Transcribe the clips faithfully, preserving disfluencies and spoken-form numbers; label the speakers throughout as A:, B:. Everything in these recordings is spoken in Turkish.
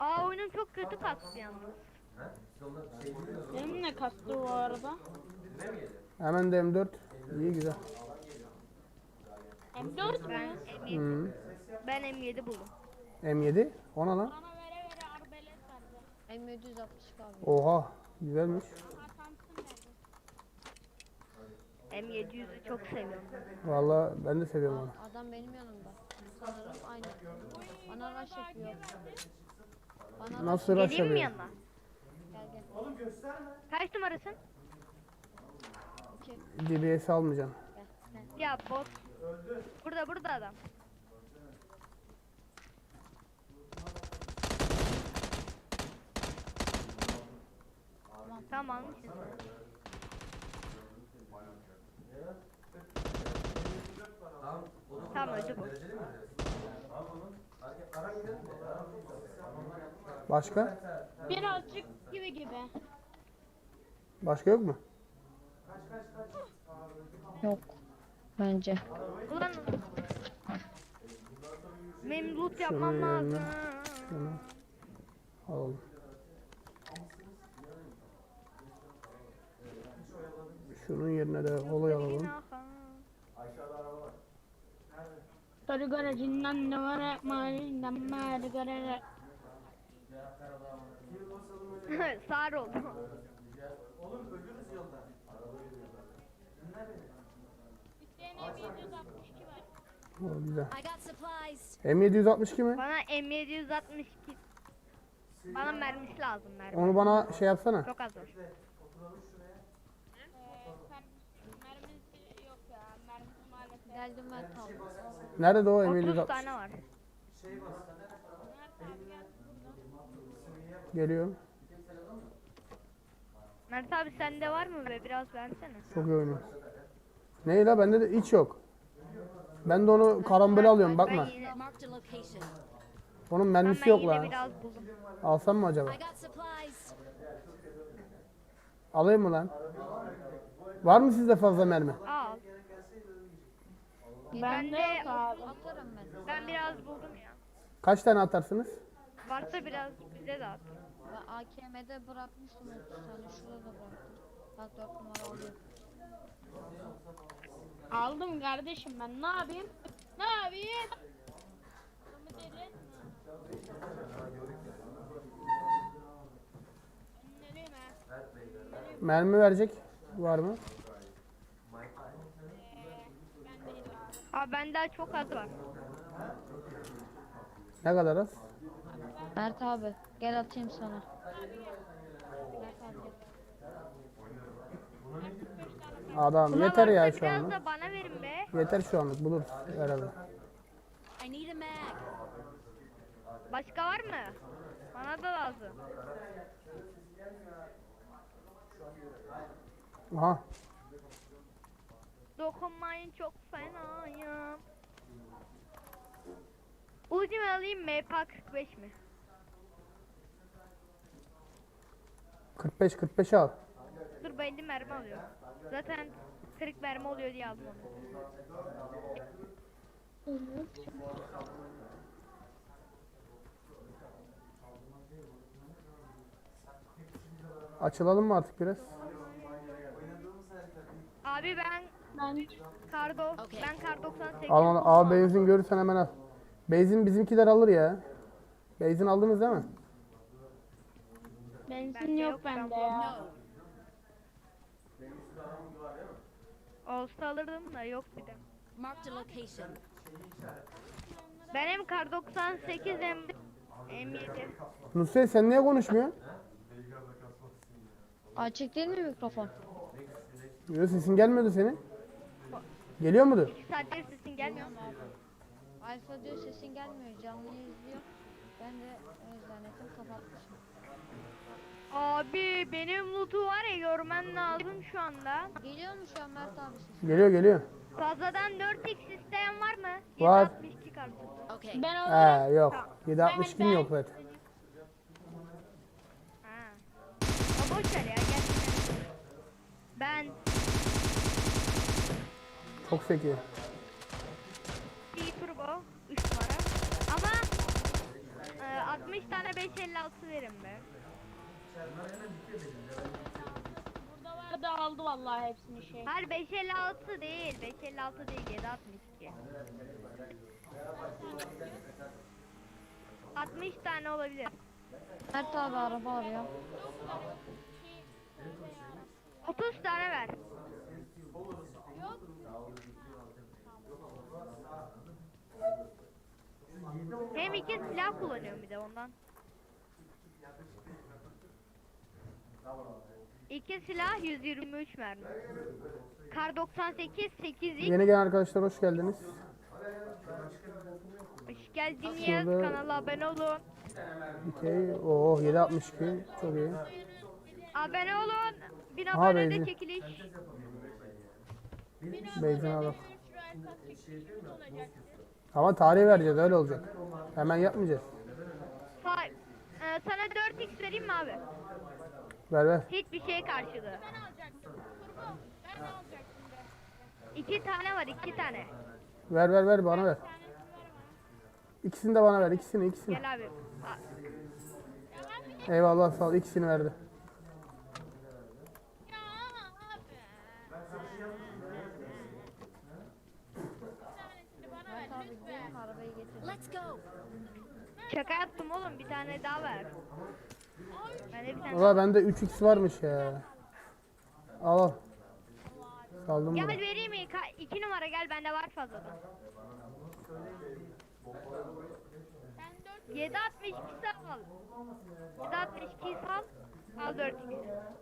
A: Aa oyunum çok kötü kastı yalnız.
B: Benim ne kastı o arada?
C: Hemen de M dört. İyi güzel.
B: M dört
A: Ben
B: mü?
A: M yedi,
C: Hmm.
A: ben M yedi buldum.
C: M yedi. Ona lan.
B: Bana vere vere arbelet verdi.
D: M yedi yüz altmış abi.
C: Oha. Güzelmiş.
B: Bana Thompson verdi.
A: M yedi yüzü çok seviyorum.
C: Vallahi ben de seviyorum onu.
D: Adam benim yanımda. Sanırım aynı. Bana rush yapıyor. Bana
C: Nasıl
D: rush...
C: rush
A: Geleyim mi
C: yapıyor?
A: yanına?
D: Gel gel.
A: Kaç numarasın?
D: İki.
C: D B S almayacaksın.
D: Gel. gel.
A: Ya bot. Burada burada adam. Tamam almışsın. Tamam öldü bu.
C: Başka?
B: Birazcık gibi gibi.
C: Başka yok mu?
D: Yok. Bence.
A: Ulan benim loot
C: Şunu
A: yapmam
C: yerine-
A: lazım.
C: Şunu alalım. Şunun yerine de olay alalım.
B: Sarı garajından ne var malinden malı garajı.
A: Sağır oldu.
B: İsteyen M yedi altmış iki var.
C: O güzel.
E: I got supplies.
C: M yedi altmış iki mi?
A: Bana M yedi altmış iki. Bana mermisi lazım mermi.
C: Onu bana şey yapsana.
A: Çok az var.
B: Ee, sen mermisi yok ya. Mermisi maalesef.
D: Geldim ben tam.
C: Nerede o M yedi
A: otuz
C: altmış?
A: tane var.
B: Nerede abi gel burada.
C: Geliyorum.
A: Mert abi sende var mı be biraz versene.
C: Çok iyi oynuyor. Ne la bende de hiç yok. Ben de onu karambole alıyorum bakma.
A: Ben yine,
E: Marked a location.
C: Onun
A: ben
C: mermisi yok
A: yine
C: la.
A: biraz buldum.
C: Alsam mı acaba?
E: I got supplies.
C: Alayım mı lan? Var mı sizde fazla mermi?
A: Al.
B: Ben de yok abi.
D: Atarım ben.
A: Ben biraz buldum ya.
C: Kaç tane atarsınız?
A: Varsa biraz bize de at.
D: Ben A K M'de bırakmıştım otuz tane. Şurada da bıraktım. Bak dört numara alıyor.
B: Aldım kardeşim ben ne yapayım? Ne yapayım? Adamı deli etme. Önleriyim ha.
C: Mermi verecek var mı?
B: Ben değilim abi.
A: Abi bende çok az var.
C: Ne kadar az?
D: Mert abi gel atayım sana. Mert abi gel.
C: Adam
A: Ulan
C: yeter ya
A: varsa
C: şu
A: biraz
C: anlık.
A: da bana verin be.
C: Yeter şu anlık buluruz herhalde.
E: I need a mag.
A: Başka var mı? Bana da lazım.
C: Aha.
A: Dokunmayın çok fenayım. Uzi mi alayım M P kırk beş mi?
C: kırk beş kırk beş al.
A: Dur ben elli mermi alıyorum. Zaten kırk mermi oluyor diye aldım onu.
C: Açılalım mı artık biraz?
A: Abi ben
B: Ben
A: Kardo, ben Kar doksan sekiz.
C: Al al. Abi benzin görürsen hemen al. Benzin bizimkiler alır ya. Benzin aldınız değil mi?
B: benzin
A: Bende
B: yok
A: yok,
B: bende
A: ben
B: ya.
A: Olsa alırdım da yok bir de.
E: Marked a location.
A: Ben hem Kar doksan sekiz hem de M yedi.
C: Nusret sen niye konuşmuyorsun?
D: Açık değil mi mikrofon?
C: Yok sesin gelmiyordu senin. Geliyor mudur?
A: iki saattir sesin gelmiyor mu?
D: Alfa diyor sesin gelmiyor. Canlı izliyor. Ben de o yüzden ettim kapatmışım.
A: Abi benim loot'u var ya görmen lazım şu anda.
D: Geliyor mu şu an Mert abi ses?
C: Geliyor geliyor.
A: Fazladan dört x isteyen var mı?
C: Var.
A: yedi altmış iki kartı.
E: Okay.
B: Ben alırım.
C: He yok. yedi altmış iki mi yok zaten.
A: Ha. O boş ver ya gerçekten. Ben
C: Çok zeki.
A: bir turbo üç numara. Ama e, altmış tane beş elli altı verin be.
B: Burada vardı aldı vallahi hepsini şey.
A: Hayır beş elli altı değil. beş elli altı değil. yedi altmış iki. altmış tane olabilir.
D: Mert abi araba arıyor.
A: otuz tane ver. Hem iki silah kullanıyorum bir de ondan. İki silah yüz yirmi üç mermi. Kar doksan sekiz sekiz x.
C: Yeni gelen arkadaşlar hoş geldiniz.
A: Hoş geldiniz.
C: Şurada-
A: Kanala abone olun.
C: Okey. Oh yedi altmış iki. Çok iyi.
A: Abone olun. bin
C: Aha,
A: abone
C: benzin.
A: de çekiliş.
C: Benzin alalım. Ama tarih vereceğiz öyle olacak. Hemen yapmayacağız.
A: Fa- e, sana dört x vereyim mi abi?
C: Ver ver.
A: Hiçbir şey karşılığı. İki tane var iki tane.
C: Ver ver ver bana ver. İkisini de bana ver. İkisini ikisini.
A: Gel abi. A-
C: Eyvallah sağ ol. İkisini verdi.
D: Mert abi gidelim arabayı getir.
E: Let's go.
A: Şaka yaptım oğlum bir tane daha ver. Ben de bir tane.
C: Valla bende üç x varmış ya. Al al. Saldım
A: Gel
C: bunu.
A: vereyim mi? Ka- iki numara gel bende var fazladan. yedi altmış iki sal. yedi altmış iki sal. Al dört x.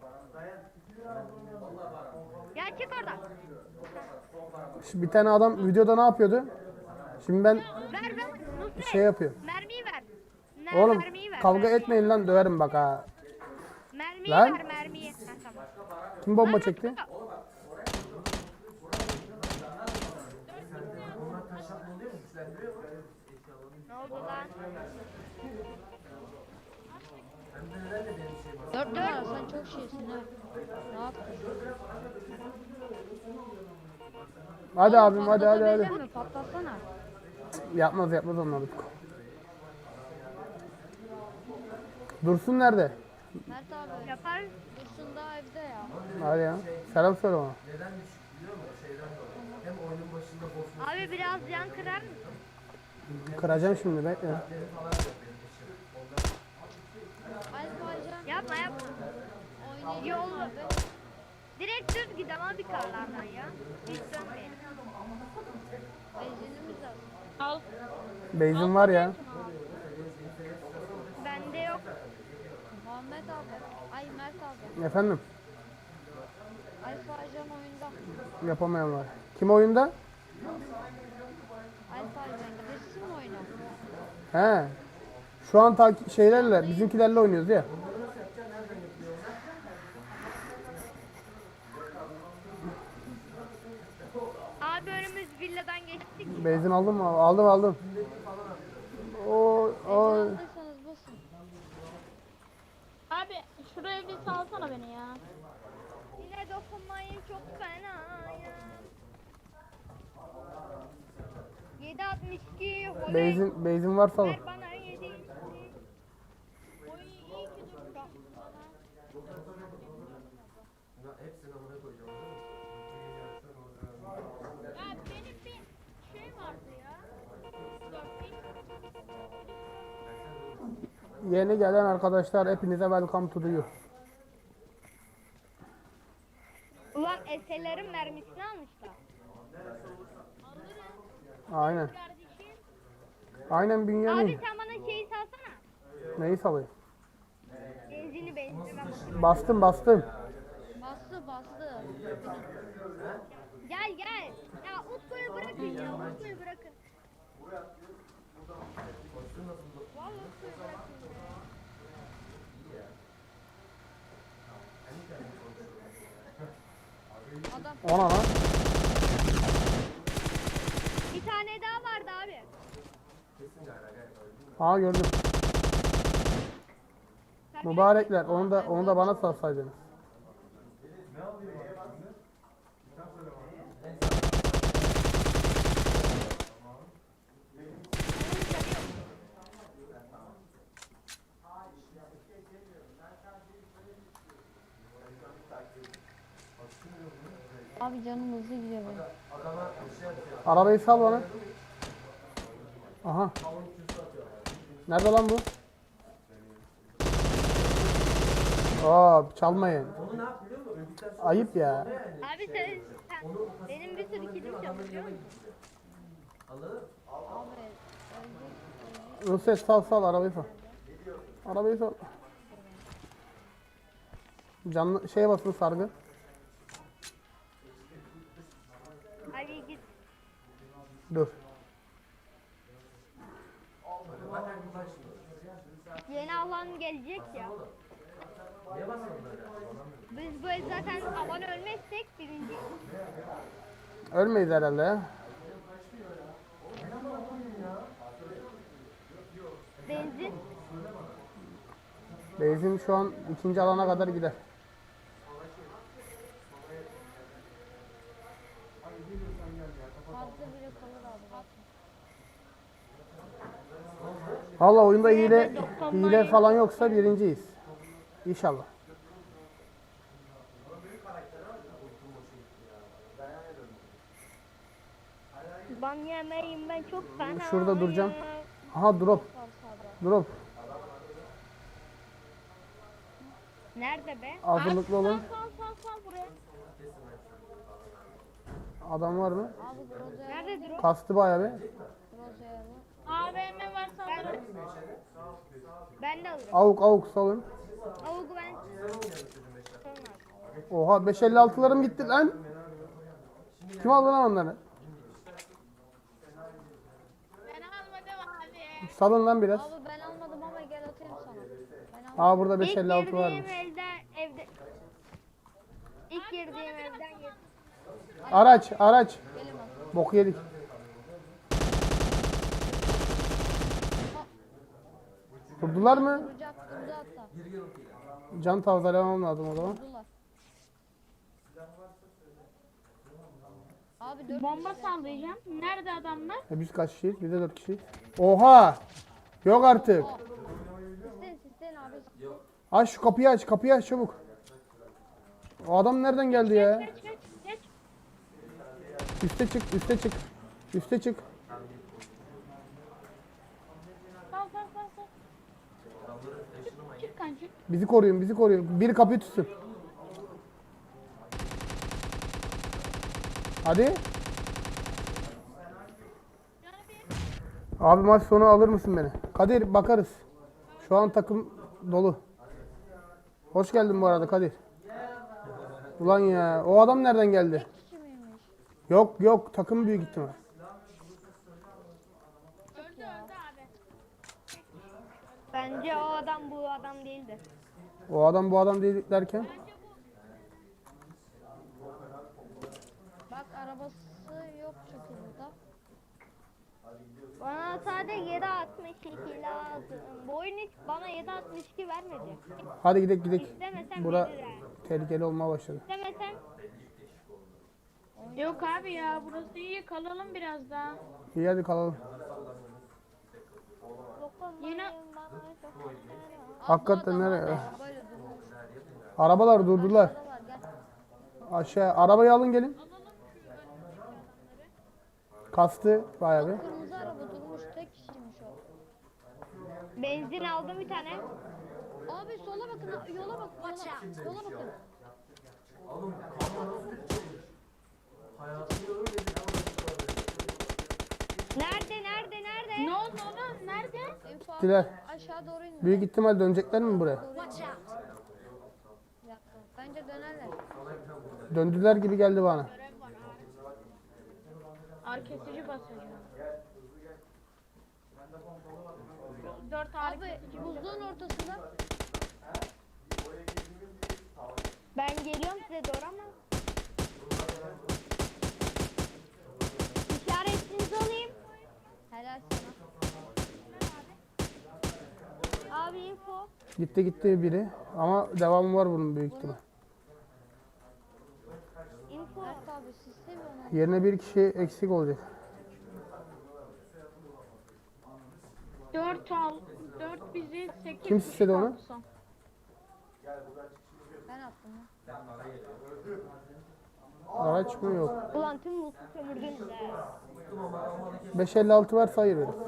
A: Ya çık oradan.
C: Şimdi bir tane adam videoda ne yapıyordu? Şimdi ben
A: Ver ver. Nusret.
C: şey yapıyorum.
A: Mermiyi ver. Ne,
C: Oğlum
A: mermiyi ver.
C: kavga
A: mermiyi.
C: etmeyin lan döverim bak ha.
A: Mermiyi
C: Lan.
A: ver mermiyi. Ha, tamam.
C: Kim bomba
A: Lan,
C: çekti?
A: Ne oldu lan?
D: Dört numara sen çok şeysin ha. Ne yaptın?
C: Hadi abim hadi hadi
D: Patlatabilir
C: hadi.
D: mi? Patlatsana.
C: Yapmaz yapmaz onlar. Dursun nerede?
D: Mert abi
A: Yapar.
D: Dursun da evde ya.
C: Hadi ya. Selam söyle ona.
A: Abi biraz yan kırar mısın?
C: Kıracağım şimdi bekle.
D: Alfa Ajan
A: Yapma yapma.
D: oynayacak
A: Yol.
D: abi.
A: Direkt düz git ama bir karlardan ya. Hiç dönmeyin.
D: Benzinimiz var.
B: Al.
C: Benzin var ya.
A: Bende yok.
D: Muhammed abi. Ay Mert abi.
C: Efendim
D: Alfa Ajan oyunda.
C: yapamayan var. Kim oyunda?
D: Alfa Ajan girsin mi oyuna?
C: He. Şu an tak şeylerle bizimkilerle oynuyoruz ya.
A: Abi önümüz villadan geçtik.
C: Benzin aldın mı? Aldım aldım. O
D: Benzin
C: o
D: aldıysanız basın.
B: Abi şuraya bir salsana beni ya.
A: Yine dokunmayın çok fena ya. yedi altmış iki. oley.
C: benzin benzin varsa alın.
A: Ver bana yedi.
B: Oy iyi ki dur. Ya benim bir şey vardı ya. Dört bin.
C: Yeni gelen arkadaşlar hepinize welcome to the you.
A: Ulan eserlerin mermisini almışlar.
C: Aynen.
B: Kardeşim.
C: Aynen
A: Abi
C: Bünyamin.
A: sen bana şeyi salsana.
C: Neyi salayım?
A: Benzini benzini bak.
C: Bastım bastım.
D: Bastı bastı.
A: Gel gel. Ya Utku'yu bırakın ya. Utku'yu bırakın. Vallahi Utku'yu bırakın ya.
D: Adam
C: Ona lan.
A: Bir tane daha vardı abi.
C: Ha gördüm.
A: Sen
C: Mübarekler onu da onu da bana salsaydınız.
D: Abi canım hızlı gidiyor benim.
C: Arabayı sal bana. Aha. Nerede lan bu? Aa, çalmayın. Ayıp ya.
A: Abi sen, sen benim bir sürü kilim çalışıyor musun?
D: Abi ölecek, ölecek.
C: Nusret sal sal arabayı sal. Arabayı sal. Canlı şeye basın sargı.
A: Abi git.
C: Dur.
A: Yeni alan gelecek ya. Biz böyle zaten alan ölmezsek birinci.
C: Ölmeyiz herhalde ya.
A: Benzin.
C: Benzin şu an ikinci alana kadar gider.
D: Fazla bile kalır abi bakın.
C: Valla oyunda hile, hile falan yoksa birinciyiz. İnşallah.
A: Ban yemeyin ben çok fena.
C: Şurada duracağım. Aha drop. Drop.
A: Nerede be?
C: Hazırlıklı olun.
B: Sal sal sal buraya.
C: Adam var mı?
D: Abi Groza'ya
A: Nerede drop?
C: Kastı bayağı bir.
D: Groza'ya var.
B: A V M var saldırı.
A: Ben de alırım.
C: Avuk avuk salın.
A: Avugu ben.
C: Oha beş elli altılarım gitti lan. Kim aldı lan onları?
B: Ben almadım abi.
C: Salın lan biraz.
D: Abi ben almadım ama gel atayım sana. Ben almadım.
C: Aa burada beş
A: İlk
C: elli altı
A: girdiğim
C: varmış.
A: evden evde. İlk girdiğim evden yedim.
C: Araç araç.
D: Gelin bak.
C: Bok yedik. Vurdular mı?
D: Vuracak durdu hatta.
C: Can tazelemem lazım o zaman.
D: Vurdular. Abi dört
B: Bomba sallayacağım. Nerede adamlar?
C: E biz kaç kişiyiz? Biz de dört kişiyiz. Oha! Yok artık.
D: Sisten sisten abi.
C: Aç şu kapıyı aç. Kapıyı aç çabuk. O adam nereden geldi ya?
B: Geç geç geç.
C: Üste çık, üste çık. Üste çık.
B: Sal sal sal sal. Çık kancı.
C: Bizi koruyun, bizi koruyun. Bir kapıyı tutsun. Hadi. Abi maç sonu alır mısın beni? Kadir bakarız. Şu an takım dolu. Hoş geldin bu arada Kadir. Ulan ya o adam nereden geldi?
D: Kişi miymiş?
C: Yok yok takım büyük ihtimal.
B: Öldü öldü abi.
A: Bence o adam bu adam değildi.
C: O adam bu adam değil derken.
D: Bak arabası yok çünkü burada.
A: Bana sadece yedi altmış iki lazım. Bu oyun hiç bana yedi altmış iki vermedi.
C: Hadi gidelim gidelim.
A: İstemesem
C: Bura
A: verir yani.
C: tehlikeli olmaya başladı.
A: İstemesem
B: Yok abi ya burası iyi kalalım biraz daha.
C: İyi hadi kalalım.
A: dokunmayın
B: Yine-
A: bana dokunmayın.
C: Hakikaten nereye?
D: Böyle durmuş.
C: Arabalar durdular.
D: Buradalar gel.
C: Aşağı arabayı alın gelin. Kastı bayağı bir.
D: Kırmızı araba durmuş tek kişiymiş o.
A: Benzin aldım bir tane.
D: Abi sola bakın yola bak. Yola, yola bakın.
A: Nerede nerede nerede?
B: Ne oldu oğlum? Nerede?
D: Info
C: Gittiler.
D: aşağı doğru indi.
C: Büyük ihtimal dönecekler mi buraya?
E: Watch out.
D: Bir dakika. Bence dönerler.
C: Döndüler gibi geldi bana.
B: Ağrı kesici basacağım. Dört ağrı
D: Abi
B: kesici.
D: buzluğun ortasında.
A: Ben geliyorum size doğru ama. İşaretinizi alayım.
D: Helal sana.
A: Abi info.
C: Gitti gitti biri. Ama devamı var bunun büyük ihtimal.
A: Info.
D: Berk abi sistem onu.
C: Yerine bir kişi eksik olacak.
B: Dört al. Dört bizi sekiz.
C: Kim istedi onu?
B: Son.
D: Ben attım ya.
C: Araç mı yok?
A: Ulan tüm loot'u sömürdünüz ha.
C: beş elli altı varsa hayır veririz.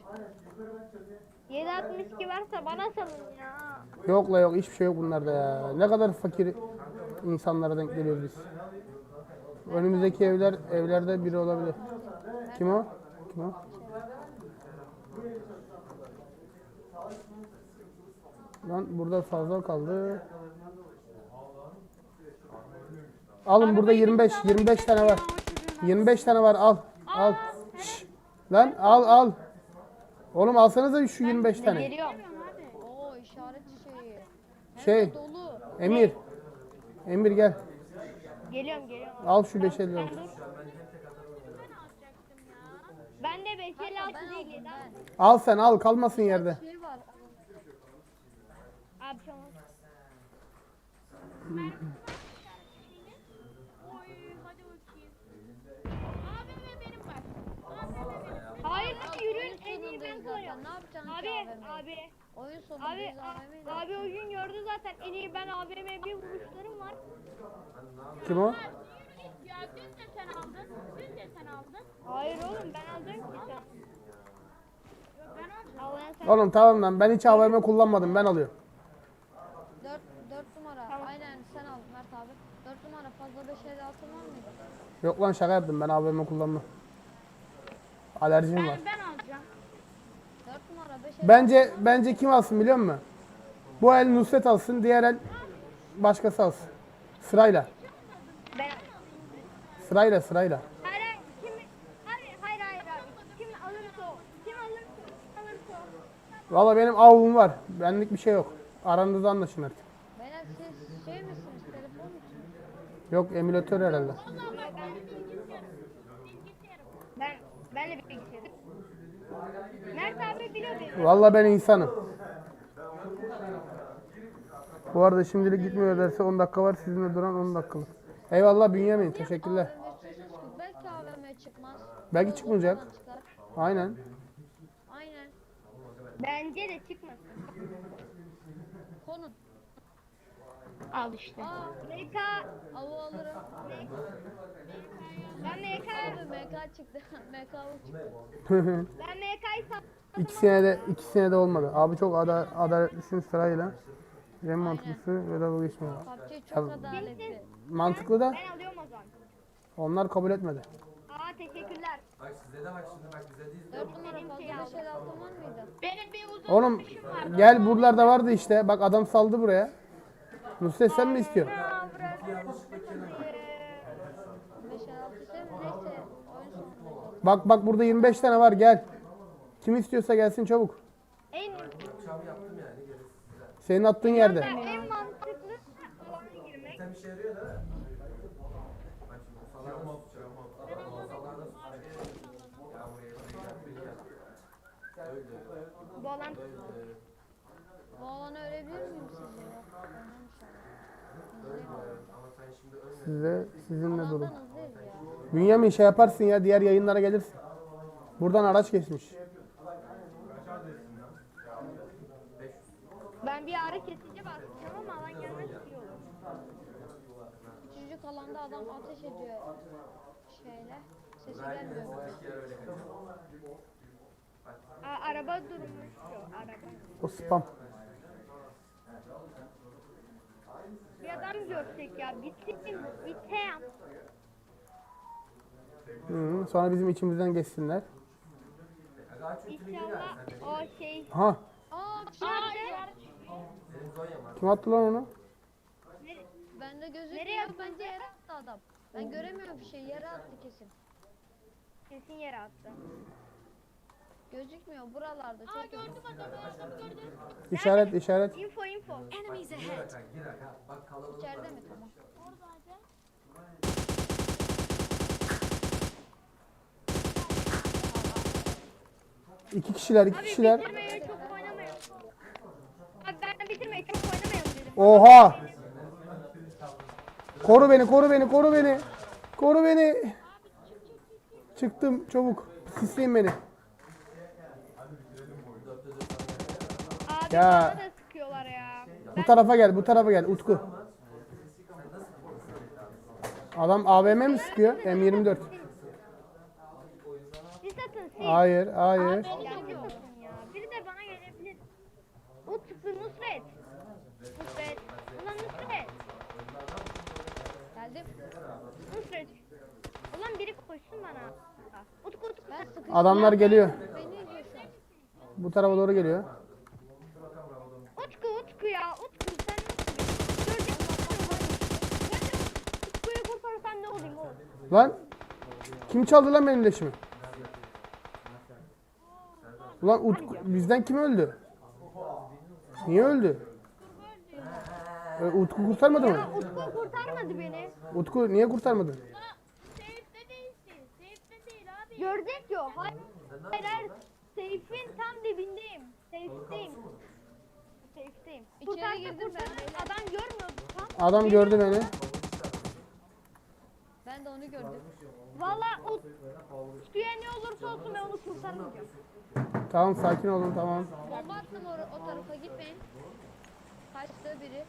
A: yedi altmış iki varsa bana salın ya.
C: Yok la yok, hiçbir şey yok bunlarda ya. Ne kadar fakir insanlara denk geliyoruz biz. Önümüzdeki evler evlerde biri olabilir. Kim o? Kim o? Lan burada fazla kaldı. Alın burada yirmi beş yirmi beş tane var. yirmi beş tane var, al. Al. Şş. Lan al al. Oğlum alsanıza şu yirmi beş tane.
A: Geliyorum.
D: Oo işaret şeyi. Hem
C: Şey,
D: de dolu.
C: Emir. Emir gel.
A: Geliyorum geliyorum.
C: Al şu beş elli altı.
A: Ben de beş elli altı
D: Ben
A: değil.
D: aldım ben.
C: Al sen, al, kalmasın yerde.
D: Şey var.
A: Abi tamam. Hayır yürüyün, en iyi ben
D: Sonundayız
A: kullanıyorum.
D: zaten. Ne yapacaksın
A: Abi
D: ki A V M'yi?
A: abi.
D: Oyun
A: Abi
D: sonundayız
A: a-
D: A V M'yi de.
A: abi o gün gördü zaten, en iyi ben A V M'ye bir vuruşlarım var.
C: Kim o?
B: Ya dün de sen aldın. Dün de sen aldın.
A: Hayır oğlum ben alacağım ki sen.
B: Ben aldım.
A: Allah'ın sen.
C: Oğlum tamam lan, ben hiç A V M kullanmadım, ben alıyorum.
D: dört dört numara. Aynen sen al Mert abi. dört numara fazla beş elli altı var mıydı?
C: Yok lan, şaka yaptım, ben A V M kullanmam. Alerjim var.
B: Ben alacağım.
D: dört numara beş elli
C: Bence bence kim alsın biliyor musun? Bu el Nusret alsın, diğer el başkası alsın. Sırayla.
A: Ben.
C: Sırayla sırayla.
A: Hayır hayır, kim hayır hayır hayır abi. Kim alırsa o. Kim alırsa o. Alırsa o.
C: Valla benim avum var. Benlik bir şey yok. Aranızda anlaşın artık.
D: Beyler siz şey misiniz? Telefon musunuz?
C: Yok, emülatör herhalde.
A: Ben benle bir bilgisayarım. Mert abi biliyor beni.
C: Valla ben insanım. Bu arada şimdilik gitmiyor derse on dakika var. Sizinle duran on dakikalık. Eyvallah Bünyamin. Teşekkürler.
D: A V M istiyorsunuz ki belki A V M çıkmaz.
C: Belki
D: Yolda
C: çıkmayacak.
D: falan çıkar.
C: Aynen.
D: Aynen.
A: Bence de çıkmasın.
D: Konun.
B: Al işte.
D: Aa
A: M K
D: avu alırım.
A: ben M K
D: Abi M K çıktı. M K avu çıktı.
A: ben M K'yı sat.
C: İkisine de ikisine de olmadı. Abi çok ada adaletlisin sırayla. En mantıklısı ve dalga geçmiyor.
D: P U B G çok adaletli.
C: Mantıklı da
A: Ben alıyorum o zaman.
C: onlar kabul etmedi.
A: Aa teşekkürler.
F: Bak size de bak şimdi bak bize değil.
D: dört numara fazla beş elli altı var mıydı?
B: Benim bir uzun
C: Oğlum gel, buralarda vardı işte. Bak adam saldı buraya. Nusret sen mi istiyorsun?
A: Aa bırak.
D: beş elli altı ise neyse oyun sonundayız.
C: Bak bak burada yirmi beş tane var, gel. Kim istiyorsa gelsin çabuk.
A: En
C: Senin attığın yerde.
A: en mantıklı alana girmek.
F: Sen işe yarıyor değil mi? Bak şimdi masalarda tutacağım. Masalarda tutacağım. Ya buraya buraya Öldü.
A: Bu alan
D: Bu alanı ölebilir miyim sizce? Yok. Ölmem inşallah.
F: Ama sen şimdi ölme.
C: Size sizinle durun.
D: Alandan hızlıyız ya.
C: Bünyamin şey yaparsın ya, diğer yayınlara gelirsin. Buradan araç geçmiş.
A: ben bir ara kesici basacağım ama alan gelmez iyi olur.
D: Küçücük alanda adam ateş ediyor. Şeyle. Sesi gelmiyor.
A: Aa, araba durmuş şu araba.
C: O spam.
A: Bir adam görsek ya bitsin bitem.
C: Hı, sonra bizim içimizden geçsinler.
A: İnşallah o şey
C: Ha,
D: Aa bir şey
A: nerede?
C: kim attı lan onu?
D: bende gözükmüyor.
A: Nereye attın?
D: Bence yere attı adam. Ben göremiyorum bir şey. Yere attı kesin.
A: Kesin yere attı.
D: Gözükmüyor buralarda. Çok gördüm
C: İşaret işaret.
A: Info info.
E: Enemies ahead.
F: Bak kalabalık.
D: İçeride mi? Tamam.
C: İki kişiler, iki
A: Abi
C: kişiler.
A: bitirmeyi çok oynamayalım. Abi ben bitirmeyi çok oynamayalım dedim.
C: Oha! Koru beni, koru beni, koru beni. Koru beni. Çıktım çabuk. Sisleyin beni.
A: Abi
C: Ya.
A: bana da sıkıyorlar ya.
C: Bu tarafa gel, bu tarafa gel Utku. Adam A V M mi sıkıyor? M yirmi dört.
A: Siz atın siz.
C: Hayır, hayır.
A: Ya siz atın ya. Biri de bana gelebilir. Utku Nusret. Nusret. Ulan Nusret.
D: Geldim.
A: Nusret. Ulan biri koşsun bana. Utku Utku.
D: Ben sıkıştım.
C: Adamlar geliyor.
D: Beni izliyor şu an.
C: Bu tarafa doğru geliyor.
A: Utku Utku ya. Utku sen nasıl? Gördün mü? Utku'yu kurtarsan ne olayım oğlum?
C: Lan kim çaldı lan benim leşimi? Ulan Utku, bizden kim öldü? Niye öldü? E, Utku kurtarmadı mı?
A: Utku kurtarmadı beni.
C: Utku niye kurtarmadın?
B: Safe'de değilsin. Safe'de değil abi.
A: Gördük yo. Hayır. Hayır. Seyfin tam dibindeyim. Seyfteyim. Seyfteyim.
D: İçeri
A: Kurtarsa
D: girdim ben,
A: kurtarır.
D: beyler.
A: Adam görmüyor. Tam.
C: Adam gördü beni.
D: Ben de onu gördüm.
A: Valla Utku'ya ne olursa olsun ben onu kurtarmayacağım.
C: Tamam sakin olun tamam.
D: Bomba attım o, o tarafa gitmeyin. Kaçtı biri.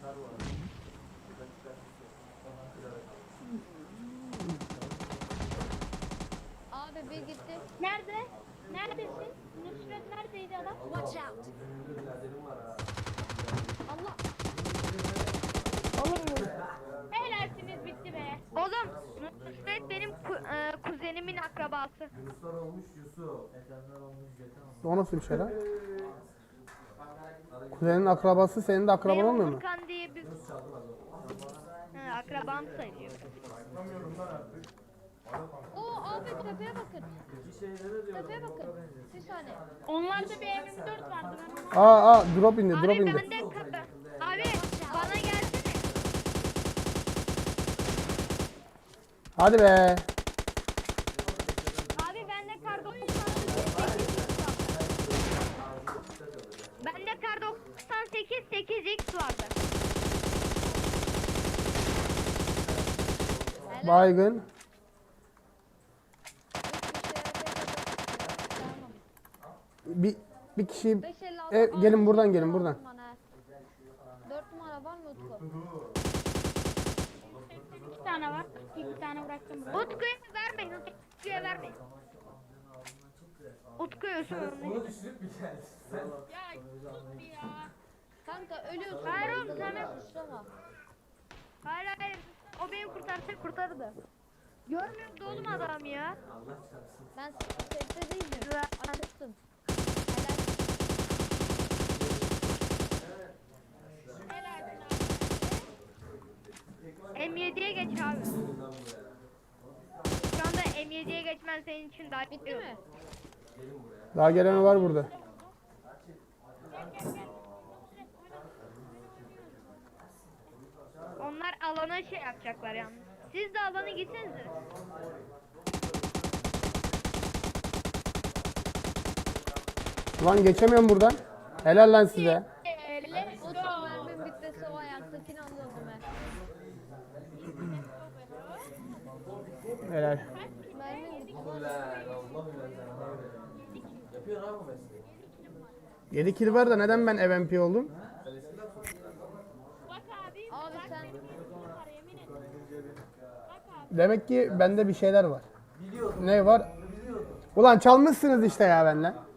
D: Abi bir gitti.
B: Nerede? Neredesin? Nusret neredeydi adam?
E: Watch out.
D: Allah.
B: Helalsiniz bitti be.
A: Oğlum Nusret benim ku- e, kuzenimin akrabası.
F: Yunuslar olmuş Yusuf.
C: O nasıl bir şey lan? Kuzenin akrabası senin de akraban
A: Benim
C: olmuyor mu?
A: Furkan diye bir He, akrabam sayılıyor.
D: Oo abi tepeye bakın. Tepeye bakın. Bir saniye.
B: Onlarda bir M yirmi dört vardı ben onu.
C: Aa aa drop indi drop
A: Abi
C: indi.
A: bende ka- abi bana gelsene.
C: Hadi be.
A: Abi bende kar doksan sekiz Bende kar doksan sekiz sekiz X vardı.
C: Baygın. Bir bir kişi
D: beş elli altı.
C: E,
D: Aa,
C: gelin buradan,
D: dört
C: gelin
D: numara
C: buradan.
D: lazım bana. Dört numara var mı Utku?
B: İki tane var. İki tane bıraktım buraya.
A: Utku'ya vermeyin. Utku'ya vermeyin. Utku'ya sorun.
F: Onu düşünüp bir geldi. Sen
B: Ya sus bir ya.
D: Kanka ölüyorsun.
A: Hayır oğlum, sen
D: Hemen suçlama.
A: Hayır hayır. O beni kurtarsa kurtardı. Görmüyor musun oğlum adam ya?
D: Ben sefte değildim.
A: Zaten-
D: Açıktım. Helal.
A: M yediye geç abi. Şu anda M yediye geçmen senin için daha
D: Bitti mi?
C: daha gelen var burada.
A: Onlar alana şey yapacaklar yalnız. Siz de alana gitsenize.
C: Ulan geçemiyorum buradan. Helal lan size.
D: Utku mermim bitmesi o ayaktakini alıyordum ben.
C: Helal.
D: Mermim bitti.
F: Allah bilen yapıyor abi bu mesleği.
C: yedi kill var da neden ben M V P oldum?
B: Bak abi.
D: Abi sen
B: Var yemin ederim.
C: Demek ki bende bir şeyler var. Ne var? Ulan çalmışsınız işte ya benden.